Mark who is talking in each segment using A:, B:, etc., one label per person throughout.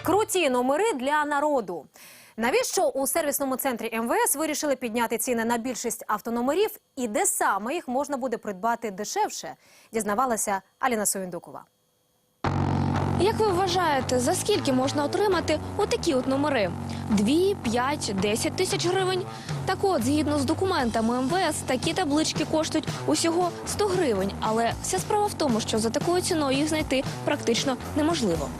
A: Круті номери для народу. Навіщо у сервісному центрі МВС вирішили підняти ціни на більшість автономерів і де саме їх можна буде придбати дешевше, дізнавалася Аліна Совіндукова.
B: Як ви вважаєте, за скільки можна отримати отакі от номери? 2, 5, 10 тисяч гривень? Так от, згідно з документами МВС, такі таблички коштують усього 100 гривень. Але вся справа в тому, що за такою ціною їх знайти практично неможливо.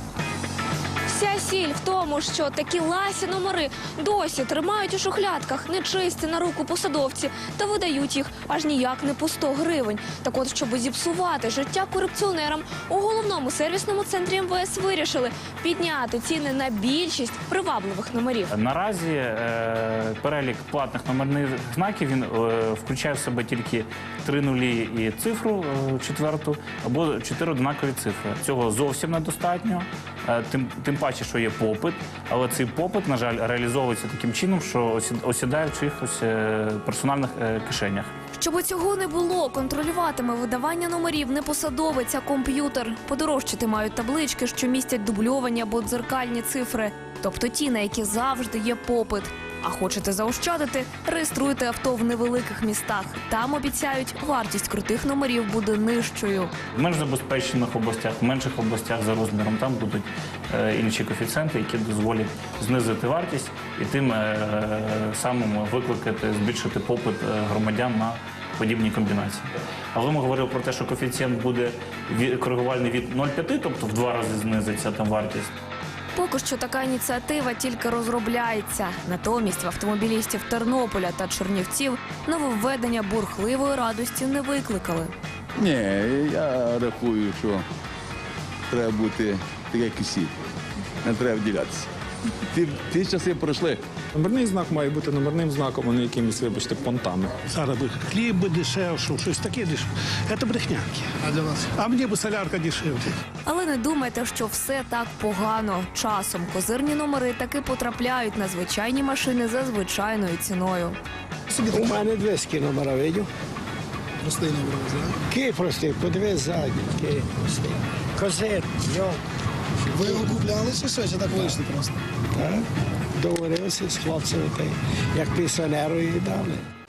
B: Вся сіль в тому, що такі ласі номери досі тримають у шухлядках, нечисті на руку посадовці та видають їх аж ніяк не по 100 гривень. Так от, щоб зіпсувати життя корупціонерам, у головному сервісному центрі МВС вирішили підняти ціни на більшість привабливих номерів.
C: Наразі перелік платних номерних знаків він включає в себе тільки 3 нулі і цифру четверту або 4 однакові цифри. Цього зовсім недостатньо. Тим паче, що є попит, але цей попит, на жаль, реалізовується таким чином, що осідає в чиїхось персональних кишенях.
B: Щоб цього не було, контролюватиме видавання номерів не посадовець, а комп'ютер. Подорожчати мають таблички, що містять дубльовані або дзеркальні цифри, тобто ті, на які завжди є попит. А хочете заощадити? Реєструйте авто в невеликих містах. Там обіцяють, вартість крутих номерів буде нижчою.
C: В менш забезпечених областях, в менших областях за розміром там будуть інші коефіцієнти, які дозволять знизити вартість і тим самим викликати, збільшити попит громадян на подібні комбінації. Але ми говорили про те, що коефіцієнт буде коригувальний від 0,5, тобто в 2 рази знизиться там вартість.
B: Поки що така ініціатива тільки розробляється. Натомість в автомобілістів Тернополя та Чернівців нововведення бурхливої радості не викликали.
D: Ні, я рахую, що треба бути таке, як усі. Не треба вділятися. Ті часи пройшли.
E: Номерний знак має бути номерним знаком, а не якимись, вибачте, понтами.
F: Зараз би хліб би дешевший, щось таке дешевше. Це брехнянки. А для вас? А мені б солярка дешевле.
B: Але не думайте, що все так погано. Часом козирні номери таки потрапляють на звичайні машини за звичайною ціною.
G: У мене 200 номера, видів?
F: Простий номер, так?
G: Київ простий, подивись ззаді, Київ простий. Козир, йо.
F: Ви його купляли чи що? Чи так вийшли просто?
G: Так, договорилися з хлопцями, як пенсіонеру і дали.